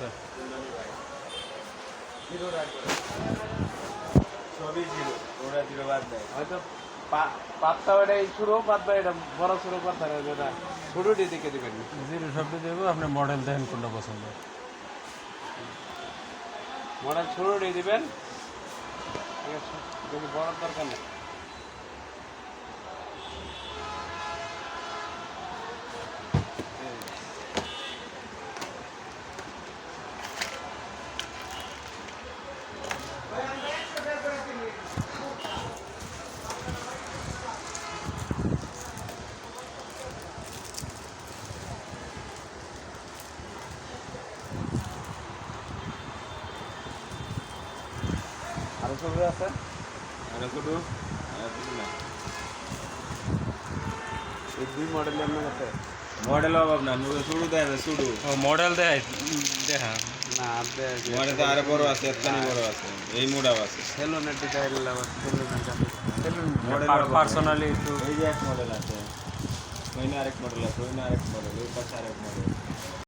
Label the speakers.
Speaker 1: আছে।
Speaker 2: সবই জিরো, ওরা জিরো বাদ দেয়।
Speaker 3: হয়তো পাতটা এটা শুরু বাদ বা এটা বড় শুরু করতে হবে যেটা ছোটটি দিকে দিবেন।
Speaker 1: জিরো শব্দ দেবো, আপনি মডেল দেখেন কোনটা পছন্দ।
Speaker 3: মডেল ছোটটি দিবেন, ঠিক আছে, যদি বড় দরকার নেই। আরো ছোট আছে,
Speaker 2: আর শুধু না
Speaker 3: এই দুই মডেল আপনার কাছে
Speaker 2: মডেল অভাব না, শুরু দেয় না শুরু।
Speaker 1: ও মডেল দেয় দেখা
Speaker 3: না আপনি
Speaker 2: মডেল তো আরো বড় আছে, এতখানি বড় আছে, এই মোডাও আছে।
Speaker 3: সেলুনের ডিজাইন আবার সেলুনের কাছে সেলুন
Speaker 2: মডেল
Speaker 1: পার্সোনালি একটু
Speaker 2: এই যে এক মডেল আছে, ওই না আরেক মডেল আছে, ওই না আরেক মডেল, ওই পাশে আরেক মডেল।